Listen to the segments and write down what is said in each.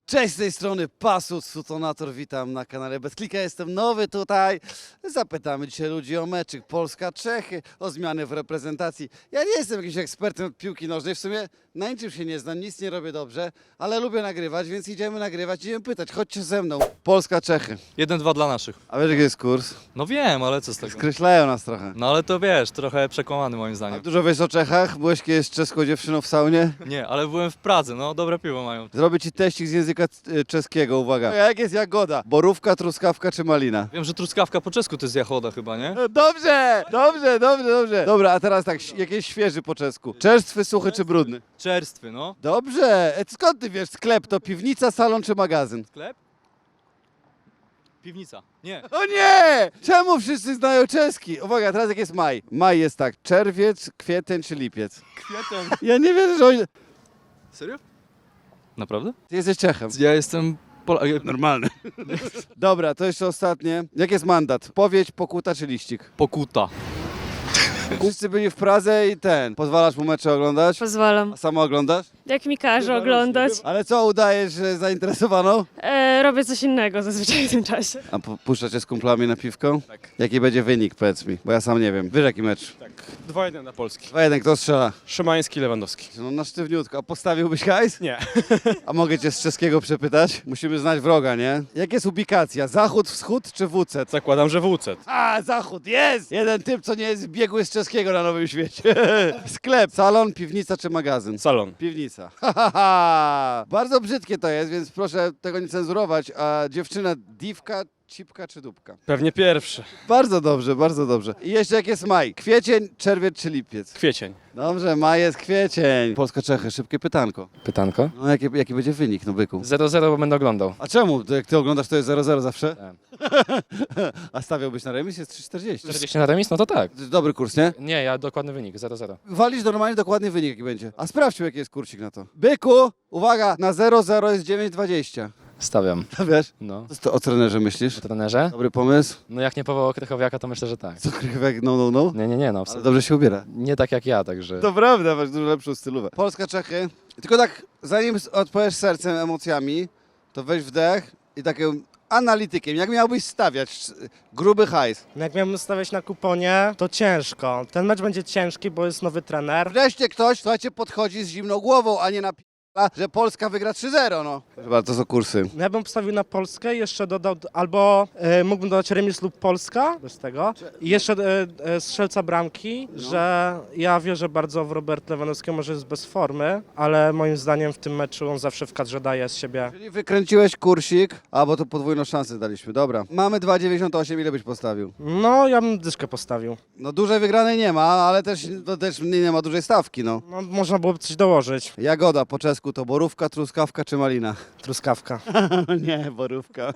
Cześć, z tej strony Pasut, Sutonator, witam na kanale Bez Klika, jestem nowy tutaj. Zapytamy dzisiaj ludzi o meczyk Polska-Czechy, o zmiany w reprezentacji. Ja nie jestem jakimś ekspertem od piłki nożnej, w sumie na niczym się nie znam, nic nie robię dobrze, ale lubię nagrywać, więc idziemy nagrywać, idziemy pytać, chodźcie ze mną. Polska-Czechy. 1-2 dla naszych. A wiesz jaki jest kurs? No wiem, ale co z tego? Skreślają nas trochę. No ale to wiesz, trochę przekłamany moim A zdaniem. dużo wiesz o Czechach? Byłeś kiedyś z czeską dziewczyną w saunie? Nie, ale byłem w Pradze, no dobre piwo mają. Zrobię ci teścik z języka czeskiego, uwaga. Jak jest jagoda? Borówka, truskawka czy malina? Wiem, że truskawka po czesku to jest jachoda chyba, nie? Dobrze, dobrze, dobrze, dobrze. Dobra, a teraz tak, jakieś świeży po czesku. Czerstwy, suchy czy brudny? Czerstwy, no. Dobrze. Skąd ty wiesz? Sklep to piwnica, salon czy magazyn? Sklep? Piwnica. Nie. O nie! Czemu wszyscy znają czeski? Uwaga, teraz jak jest maj? Maj jest tak, czerwiec, kwiecień czy lipiec? Kwiatem. Ja nie wierzę, że oni... Serio? Naprawdę? Ty jesteś Czechem. Ja jestem Normalny. Dobra, to jeszcze ostatnie. Jak jest mandat? Powiedź, pokuta czy liścik? Pokuta. Wszyscy byli w Pradze i pozwalasz mu mecze oglądać? Pozwalam. A sama oglądasz? Jak mi każe oglądać, Ale co, udajesz zainteresowaną? robię coś innego zazwyczaj w tym czasie. A puszczacie z kumplami na piwko? Tak. Jaki będzie wynik, powiedz mi, bo ja sam nie wiem. Wiesz jaki mecz? 2-1 na Polski. 2-1, kto strzela? Szymański, Lewandowski. No na sztywniutko. A postawiłbyś hajs? Nie. A mogę cię z czeskiego przepytać? Musimy znać wroga, nie? Jak jest ubikacja? Zachód, wschód czy WC? Zakładam, że WC. A, zachód, jest! Jeden typ, co nie jest biegły z czeskiego na Nowym Świecie. Sklep, salon, piwnica czy magazyn? Salon. Piwnica. Bardzo brzydkie to jest, więc proszę tego nie cenzurować. A dziewczyna diwka, cipka czy dupka? Pewnie pierwszy. Bardzo dobrze, bardzo dobrze. I jeszcze jak jest maj? Kwiecień, czerwiec czy lipiec? Kwiecień. Dobrze, maj jest kwiecień. Polska-Czechy, szybkie pytanko. Pytanko? No jaki będzie wynik, no byku? 0-0, bo będę oglądał. A czemu? To jak ty oglądasz, to jest 0-0 zawsze? Tak. A stawiałbyś na remis? Jest 3,40. 40 na remis? No to tak. To jest dobry kurs, nie? Nie, ja dokładny wynik, 0-0. Walisz normalnie dokładny wynik, jaki będzie. A sprawdźmy, jaki jest kursik na to. Byku, uwaga, na 0-0 jest 9,20. Stawiam. To wiesz? No. Co ty o trenerze myślisz? O trenerze? Dobry pomysł? No jak nie powołał Krychowiaka, to myślę, że tak. Co, Krychowek, no. Nie, no Ale absolutnie. dobrze się ubiera. Nie tak jak ja, także... To prawda, masz dużo lepszą stylówę. Polska-Czechy. Tylko tak, zanim odpowiesz sercem, emocjami, to weź wdech i takim analitykiem. Jak miałbyś stawiać gruby hajs? No jak miałbym stawiać na kuponie, to ciężko. Ten mecz będzie ciężki, bo jest nowy trener. Wreszcie ktoś, słuchajcie, podchodzi z zimną głową, a nie na że Polska wygra 3-0, no. Proszę bardzo, to są kursy. No ja bym postawił na Polskę i jeszcze dodał, albo mógłbym dodać remis lub Polska, bez tego. I jeszcze strzelca bramki, że ja wierzę bardzo w Roberta Lewandowskiego, może jest bez formy, ale moim zdaniem w tym meczu on zawsze w kadrze daje z siebie. Czyli wykręciłeś kursik, bo to podwójną szansę daliśmy, dobra. Mamy 2,98, ile byś postawił? No ja bym dyszkę postawił. No dużej wygranej nie ma, ale też nie ma dużej stawki, no. No można byłoby coś dołożyć. Jagoda po czesku to borówka, truskawka czy malina? Truskawka. Nie, borówka.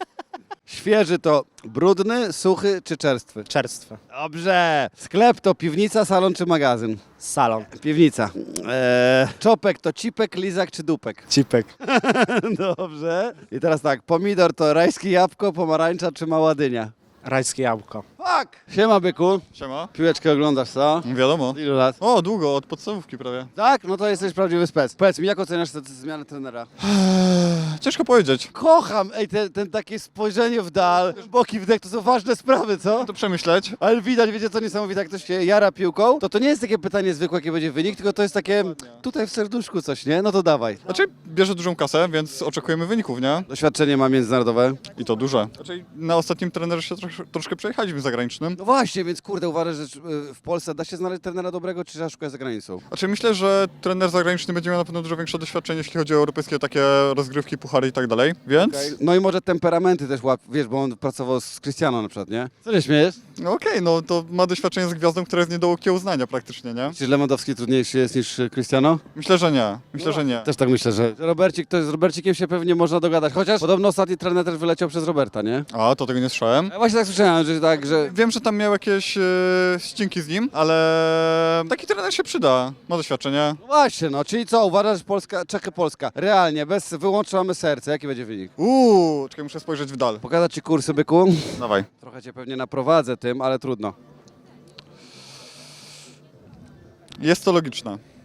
Świeży to brudny, suchy czy czerstwy? Czerstwy. Dobrze. Sklep to piwnica, salon czy magazyn? Salon. Piwnica. Czopek to cipek, lizak czy dupek? Cipek. Dobrze. I teraz tak, pomidor to rajskie jabłko, pomarańcza czy mała dynia? Rajskie jabłko. Fuck! Siema, byku. Siema. Piłeczkę oglądasz, co? Wiadomo. Ilu lat? O, długo, od podstawówki prawie. Tak? No to jesteś prawdziwy spec. Powiedz mi, jak oceniasz tę zmianę trenera? Ciężko powiedzieć. Kocham, ten takie spojrzenie w dal, boki wdech, to są ważne sprawy, co? To przemyśleć. Ale widać, wiecie co niesamowite, jak ktoś się jara piłką, to nie jest takie pytanie zwykłe, jaki będzie wynik, tylko to jest takie tutaj w serduszku coś, nie? No to dawaj. Znaczy, bierze dużą kasę, więc oczekujemy wyników, nie? Doświadczenie ma międzynarodowe. I to duże. Znaczy, na ostatnim trenerze się troszkę przejechaliśmy zagranicznym. No właśnie, więc kurde, uważasz, że w Polsce da się znaleźć trenera dobrego, czy trzeba szukać za granicą? Znaczy, myślę, że trener zagraniczny będzie miał na pewno dużo większe doświadczenie, jeśli chodzi o europejskie takie rozgrywki, puchary i tak dalej, więc... No i może temperamenty też wiesz, bo on pracował z Cristiano na przykład, nie? Co się śmiejesz? No okej, no to ma doświadczenie z gwiazdą, która jest nie do okiełznania praktycznie, nie? Czy Lewandowski trudniejszy jest niż Cristiano? Myślę, że nie. Myślę, że nie. Też tak myślę, że z Robercikiem się pewnie można dogadać, chociaż podobno ostatni trener też wyleciał przez Roberta, nie? A, to tego nie słyszałem. Ja właśnie tak słyszałem, że tak, że... Wiem, że tam miał jakieś ścinki z nim, ale taki trener się przyda. Ma doświadczenie. No właśnie, no, czyli co, uważasz, że Czechy-Polska, realnie, wyłączamy serce, jaki będzie wynik? Czekaj, muszę spojrzeć w dal. Pokazać ci kursy, byku? Dawaj. Trochę cię pewnie naprowadzę tym, ale trudno. Jest to logiczne.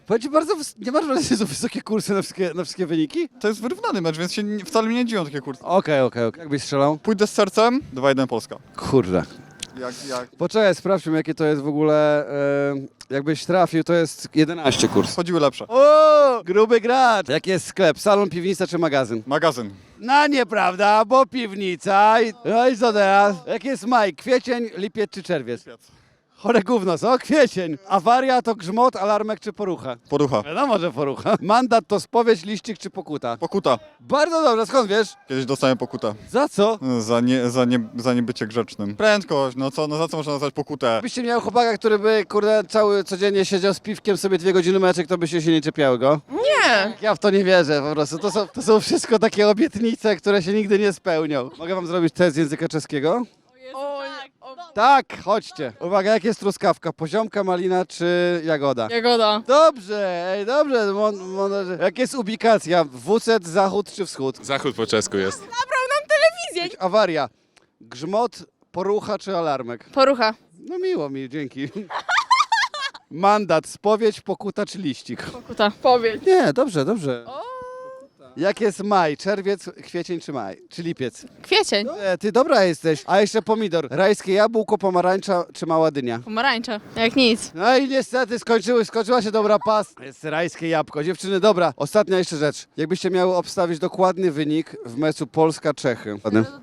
Powiem ci nie masz wrażenia, że są wysokie kursy na wszystkie wyniki? To jest wyrównany mecz, więc wcale mnie nie dziwią takie kursy. Okej. Jak byś strzelał? Pójdę z sercem, 2-1 Polska. Kurde. Jak Poczekaj, sprawdźmy jakie to jest w ogóle, jakbyś trafił, to jest 11 kurs. chodziły lepsze. O, gruby gracz. Jaki jest sklep? Salon, piwnica czy magazyn? Magazyn. No nieprawda, bo piwnica. No i co teraz? Jaki jest maj? Kwiecień, lipiec czy czerwiec? Chore gówno, co? Kwiecień. Awaria to grzmot, alarmek czy porucha? Porucha. Wiadomo, że porucha. Mandat to spowiedź, liścik czy pokuta? Pokuta. Bardzo dobrze, skąd wiesz? Kiedyś dostałem pokutę. Za co? Za niebycie grzecznym. Prędkość, no za co można nazwać pokutę? Gdybyście miał chłopaka, który by, kurde, codziennie siedział z piwkiem sobie 2 godziny meczek, to byście się nie czepiały go? Nie. Ja w to nie wierzę po prostu. To są wszystko takie obietnice, które się nigdy nie spełnią. Mogę wam zrobić test z języka czeskiego? Tak, chodźcie. Uwaga, jak jest truskawka? Poziomka, malina czy jagoda? Jagoda. Dobrze, dobrze. Jak jest ubikacja? WC, zachód czy wschód? Zachód po czesku jest. Awaria. Grzmot, porucha czy alarmek? Porucha. No miło mi, dzięki. Mandat, spowiedź, pokuta czy liścik? Pokuta. Powiedz. Nie, dobrze. Jak jest maj? Czerwiec, kwiecień czy maj? Czy lipiec? Kwiecień. Ty dobra jesteś. A jeszcze pomidor. Rajskie jabłko, pomarańcza czy mała dynia? Pomarańcza. Jak nic. No i niestety skończyła się dobra pas. Jest rajskie jabłko. Dziewczyny, dobra. Ostatnia jeszcze rzecz. Jakbyście miały obstawić dokładny wynik w meczu Polska-Czechy.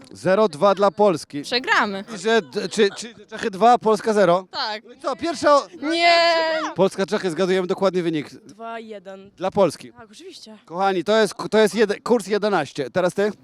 0-2 dla Polski. Przegramy. I że, czy Czechy 2, Polska 0? Tak. No i co, pierwsza... Nie. Polska-Czechy, zgadujemy dokładny wynik. 2-1. Dla Polski. Tak, oczywiście. Kochani, to jest kurs 11. Teraz ty?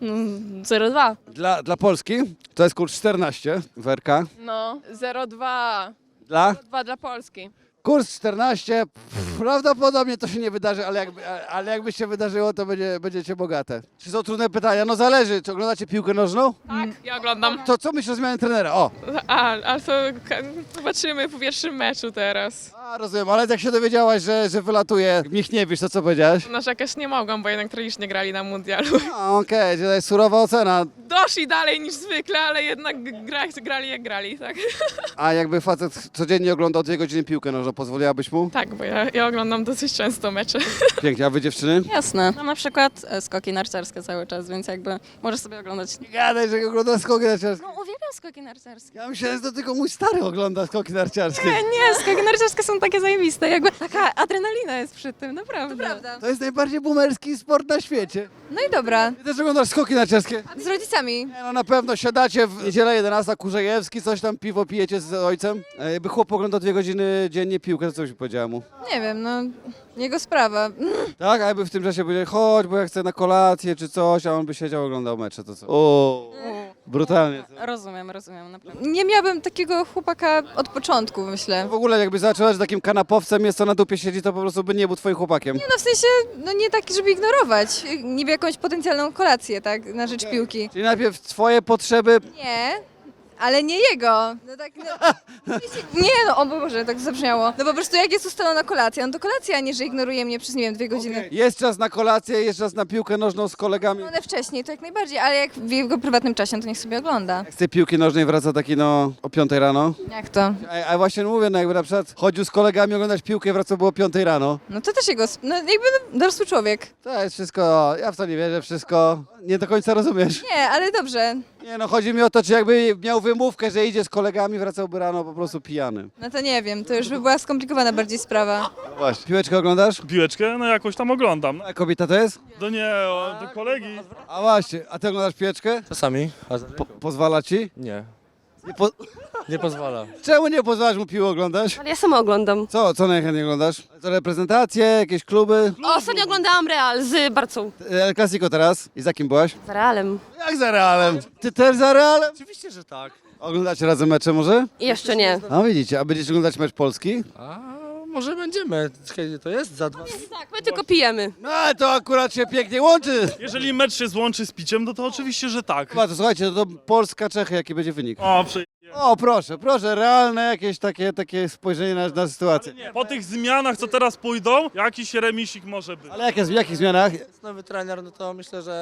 0,2. Dla Polski to jest kurs 14. Werka. No, 0,2. Dla? 2 dla Polski. Kurs 14. Prawdopodobnie to się nie wydarzy, ale jakby się wydarzyło, to będziecie bogate. Czy są trudne pytania? No zależy. Czy oglądacie piłkę nożną? Tak, ja oglądam. To co myślisz o zmianie trenera? O! Ale to zobaczymy po pierwszym meczu teraz. A, rozumiem, ale jak się dowiedziałaś, że wylatuje Michniewicz, to co powiedziałaś? Narzekać nie mogłam, bo jednak tragicznie grali na mundialu. Okej, to jest surowa ocena. Doszli dalej niż zwykle, ale jednak grali jak grali, tak? A jakby facet codziennie oglądał 2 godziny piłkę nożną, pozwoliłabyś mu? Tak, bo ja oglądam dosyć często mecze. Pięknie, a wy dziewczyny? Jasne. Mam na przykład skoki narciarskie cały czas, więc jakby możesz sobie oglądać. Nie gadaj, że ogląda skoki narciarskie. No uwielbiam skoki narciarskie. Ja myślałem, że to tylko mój stary ogląda skoki narciarskie. Nie, skoki narciarskie są takie zajebiste. Jakby taka adrenalina jest przy tym, naprawdę. To prawda. To jest najbardziej boomerski sport na świecie. No i dobra. Ty też oglądasz skoki narciarskie? Z rodzicami. Nie, no na pewno siadacie w niedzielę 11, Kurzejewski, coś tam piwo pijecie z ojcem. Jakby chłop oglądał 2 godziny dziennie piłkę, to co byś powiedziała mu? Nie wiem, no jego sprawa. Tak, a jakby w tym czasie powiedział, chodź, bo ja chcę na kolację czy coś, a on by siedział, oglądał mecze, to co? O, brutalnie. Rozumiem, naprawdę. Nie miałabym takiego chłopaka od początku, myślę. W ogóle jakby zaczęła, że takim kanapowcem jest, co na dupie siedzi, to po prostu by nie był twoim chłopakiem. No w sensie, no nie taki, żeby ignorować. Niby jakąś potencjalną kolację, tak, na rzecz piłki. Czyli najpierw twoje potrzeby. Nie, ale nie jego. No tak, no, nie no, o Boże, tak zabrzmiało. No po prostu jak jest ustalona kolacja, no to kolacja, a nie, że ignoruje mnie przez, nie wiem, 2 godziny. Jest czas na kolację, jest czas na piłkę nożną z kolegami. One wcześniej, to jak najbardziej, ale jak w jego prywatnym czasie, no to niech sobie ogląda. Z tej piłki nożnej wraca taki no o 5 rano. Jak to? A właśnie mówię, no jakby na przykład chodził z kolegami oglądać piłkę, wracał było o 5 rano. No to też jego, no jakby dorosły człowiek. To jest wszystko, ja w to nie wierzę, wszystko nie do końca rozumiesz. Nie, ale dobrze. Nie no, chodzi mi o to, czy jakby miał wymówkę, że idzie z kolegami, wracałby rano po prostu pijany. No to nie wiem, to już by była skomplikowana bardziej sprawa. Właśnie. Piłeczkę oglądasz? Piłeczkę? No jakoś tam oglądam. A kobieta to jest? No nie, do kolegi. A właśnie, a ty oglądasz piłeczkę? Czasami. Pozwala ci? Nie. Nie Nie pozwala. Czemu nie pozwalasz mu piłę oglądać? Ale ja sama oglądam. Co najchętniej oglądasz? To reprezentacje, jakieś kluby? Ostatnio oglądałam Real z Barcą. El Clasico teraz? I za kim byłaś? Z Realem. Jak za Realem? Ty też za Realem? Oczywiście, że tak. Oglądacie razem mecze może? I jeszcze nie. A widzicie, a będziecie oglądać mecz Polski? A może będziemy. Kiedy to jest? Za 2. Tak, my tylko pijemy. No to akurat się pięknie łączy. Jeżeli mecz się złączy z piciem, no to oczywiście, że tak. Chyba to słuchajcie, to Polska-Czechy, jaki będzie wynik? O, O, proszę, realne jakieś takie spojrzenie na sytuację. po tych zmianach, co teraz pójdą, jakiś remisik może być. Ale w jakich zmianach? Nowy trener, no to myślę, że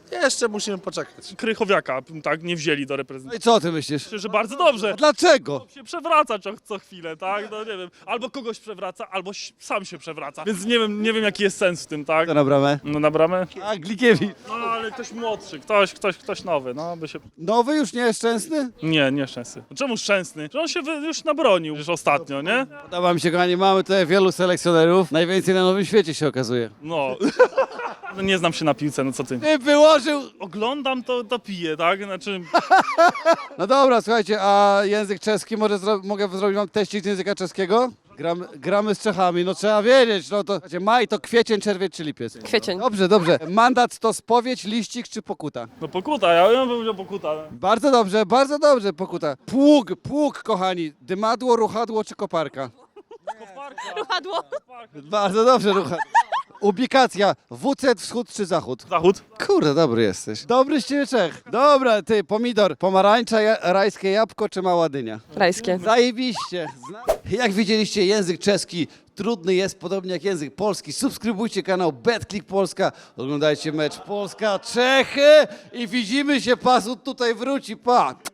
Jeszcze musimy poczekać. Krychowiaka, tak, nie wzięli do No reprezentacji. i co ty myślisz? Myślę, że bardzo dobrze. A dlaczego? Się przewraca co chwilę, tak? No nie wiem, albo kogoś przewraca, albo sam się przewraca. Więc nie wiem jaki jest sens w tym, tak? To na bramę. No na bramę? A, Glikiewicz. No ale ktoś młodszy, ktoś nowy, no by się... Nowy już nie jest szczęsny? Nie szczęsny. Czemu szczęsny? Że on się już nabronił już ostatnio, nie? Podoba mi się, kochani, mamy tutaj wielu selekcjonerów. Najwięcej na Nowym Świecie się okazuje. No. No nie znam się na piłce, no co ty? Ty wyłożył... Oglądam to piję, tak? Znaczy... No dobra, słuchajcie, a język czeski, mogę zrobić wam teścik z języka czeskiego? Gramy z Czechami, no trzeba wiedzieć, no to... Słuchajcie, maj to kwiecień, czerwiec czy lipiec? Kwiecień. Dobrze. Mandat to spowiedź, liścik czy pokuta? No pokuta, ja bym powiedział pokuta. Bardzo dobrze, pokuta. Pług, kochani. Dymadło, ruchadło czy koparka? Ruchadło. Bardzo dobrze, ruchadło. Ubikacja, WC wschód czy zachód? Zachód. Kurde, dobry jesteś. Dobry z ciebie Czech. Dobra, ty, pomidor, pomarańcza, rajskie jabłko czy mała dynia? Rajskie. Zajebiście. Jak widzieliście, język czeski trudny jest, podobnie jak język polski. Subskrybujcie kanał BetClick Polska, oglądajcie mecz Polska-Czechy i widzimy się, Pasut tutaj wróci, pa!